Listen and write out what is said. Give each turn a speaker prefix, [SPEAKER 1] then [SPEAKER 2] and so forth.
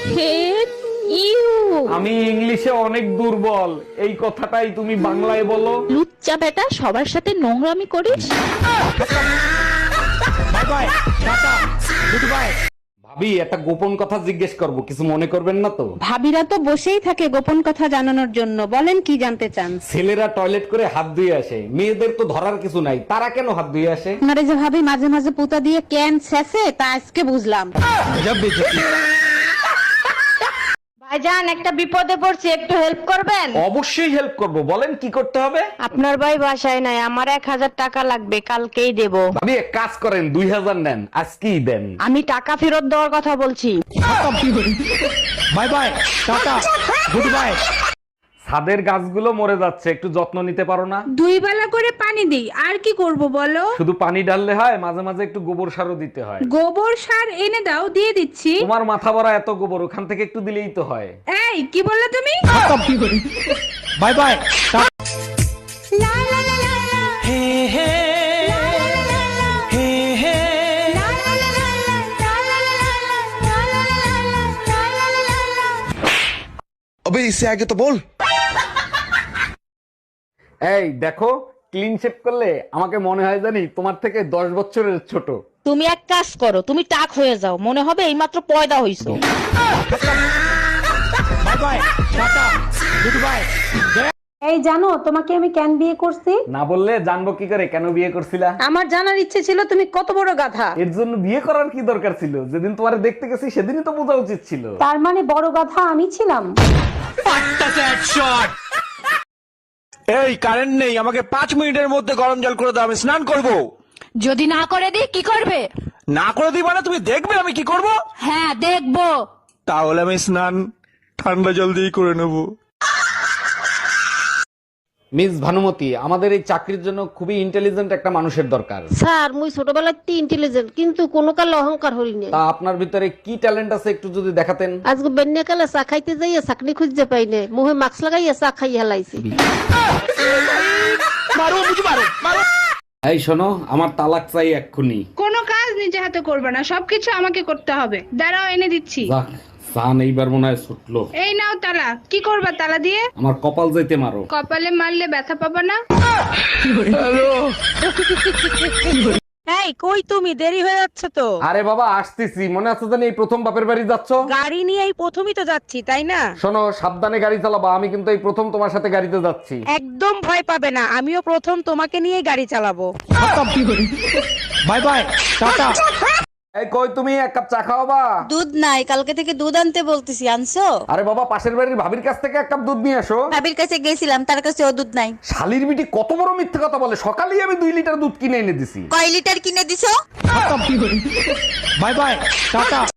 [SPEAKER 1] Hate you.
[SPEAKER 2] আমি ইংলিশে অনেক দুর্বল, এই কথাটাই তুমি বাংলায় বলো।
[SPEAKER 1] লুচ্চা বেটা, সবার সাথে নোংরামি করিস।
[SPEAKER 2] Bye bye, tata, good bye. ভাবি, একটা গোপন কথা জিজ্ঞেস করব, কিছু মনে করবেন না তো?
[SPEAKER 3] ভাবিরা তো বসেই থাকে গোপন কথা জানানোর জন্য, বলেন কি জানতে চান?
[SPEAKER 2] ছেলেরা টয়লেট করে হাত ধুয়ে আসে, মেয়েদের তো ধরার কিছু নাই, তারা কেন হাত ধুয়ে আসে?
[SPEAKER 3] আপনারা যে ভাবি মাঝে মাঝে পুতা দিয়ে ক্যান ছেঁচে, তা আজকে বুঝলাম। ভাইজান, একটা বিপদে পড়ছি, একটু হেল্প করবেন?
[SPEAKER 2] অবশ্যই হেল্প করব, বলেন কি করতে হবে।
[SPEAKER 3] আপনার ভাই বাসায় নাই, আমার 1000 টাকা লাগবে, কালকেই দেব।
[SPEAKER 2] ভাবি, এক কাজ করেন, 2000 নেন, আজকেই দেন।
[SPEAKER 3] আমি টাকা ফেরত দেওয়ার কথা বলছি।
[SPEAKER 2] Bye bye, tata, good bye. ছাদের গাছগুলো মরে যাচ্ছে, একটু যত্ন নিতে পারো না?
[SPEAKER 4] 2 বেলা করে পানি দিই, আর কি করব বলো?
[SPEAKER 2] শুধু পানি ঢাললে হয়, মাঝে মাঝে একটু গোবর সারও দিতে হয়।
[SPEAKER 4] গোবর সার এনে দাও, দিয়ে দিচ্ছি।
[SPEAKER 2] তোমার মাথা ভরা এত গোবর, ওখান থেকে একটু দিলেই তো হয়।
[SPEAKER 4] এই কি বললে তুমি?
[SPEAKER 2] Bye bye.
[SPEAKER 5] अबे इससे आगे तो बोल।
[SPEAKER 2] এই দেখো, ক্লিন শেপ করলে আমাকে মনে হয় জানি তোমার থেকে 10 বছরের ছোট।
[SPEAKER 1] তুমি এক কাজ করো, তুমি টাক হয়ে যাও, মনে হবে এইমাত্র পয়দা হইছো।
[SPEAKER 2] Bye bye, tata, good bye.
[SPEAKER 3] এই জানো তোমাকে আমি কেন বিয়ে করছি?
[SPEAKER 2] না বললে জানবো কি করে কেন বিয়ে করছিলা?
[SPEAKER 3] আমার জানার ইচ্ছে ছিল তুমি কত বড় গাধা।
[SPEAKER 2] এর জন্য বিয়ে করার কি দরকার ছিল? যেদিন তোমারে দেখতে গেছি সেদিনই তো বোঝা উচিত ছিল।
[SPEAKER 3] তার মানে বড় গাধা আমি ছিলাম?
[SPEAKER 5] এই কারেন্ট নেই, আমাকে 5 মিনিটের মধ্যে গরম জল করে দাও, আমি স্নান করব।
[SPEAKER 1] যদি না করে দিই কি করবে?
[SPEAKER 5] না করে দিই মানে তুমি দেখবে আমি কি করব?
[SPEAKER 1] হ্যাঁ দেখবো।
[SPEAKER 5] তাহলে আমি স্নান ঠান্ডা জল দিয়ে করে নেব।
[SPEAKER 2] মিস ভানুমতি, আমাদের এই চাকরির জন্য খুবই ইন্টেলিজেন্ট একটা মানুষের দরকার।
[SPEAKER 6] স্যার মুই ছোটবেলাতে ইন্টেলিজেন্ট, কিন্তু কোনো কালে অহংকার হই নাই।
[SPEAKER 2] তা আপনার ভিতরে কি ট্যালেন্ট আছে একটু যদি দেখাতেন।
[SPEAKER 6] আজকে বেন্যাকালে চা খাইতে যাইয়া চাকরি খুঁজতে পাই নাই, মুহে মাস্ক লাগাইয়া চা খাই হেলাইছি।
[SPEAKER 2] এই শোনো, আমার তালাক চাই এক্ষুনি।
[SPEAKER 4] কোনো কাজ নিজে হাতে করবে না, সবকিছু আমাকে করতে হবে। দাঁড়াও, এনে দিচ্ছি।
[SPEAKER 2] যাক, সান এইবার মনে হয় ছুটলো।
[SPEAKER 4] এই নাও তালা। কি করবা তালা দিয়ে?
[SPEAKER 2] আমার কপাল যাইতে মারো।
[SPEAKER 4] কপালে মারলে ব্যথা পাবা না।
[SPEAKER 3] এই কই তুমি? দেরি হয়ে যাচ্ছে তো।
[SPEAKER 2] আরে বাবা, আসতেছি। মনে আছে জানি এই প্রথম বাপের বাড়ি যাচ্ছ?
[SPEAKER 3] গাড়ি নিয়ে এই প্রথমই তো যাচ্ছি, তাই না?
[SPEAKER 2] শোনো, সাবধানে গাড়ি চালাবা, আমি কিন্তু এই প্রথম তোমার সাথে গাড়িতে যাচ্ছি।
[SPEAKER 3] একদম ভয় পাবে না, আমিও প্রথম তোমাকে নিয়েই গাড়ি চালাবো।
[SPEAKER 2] Bye bye, tata. এই কই তুমি, এক কাপ চা খাওয়াবা?
[SPEAKER 7] দুধ নাই, কালকে থেকে দুধ আনতে বলতেছি, আনছো?
[SPEAKER 2] আরে বাবা, পাশের বাড়ির ভাবির কাছ থেকে এক কাপ দুধ নিয়ে আসো।
[SPEAKER 7] ভাবির কাছে গেছিলাম, তার কাছে ও দুধ নাই।
[SPEAKER 2] শালির বিটি কত বড় মিথ্যে কথা বলে, সকালেই আমি 2 লিটার দুধ কিনে এনে দিছি।
[SPEAKER 7] কয় লিটার কিনে দিছো?
[SPEAKER 2] Bye bye, tata.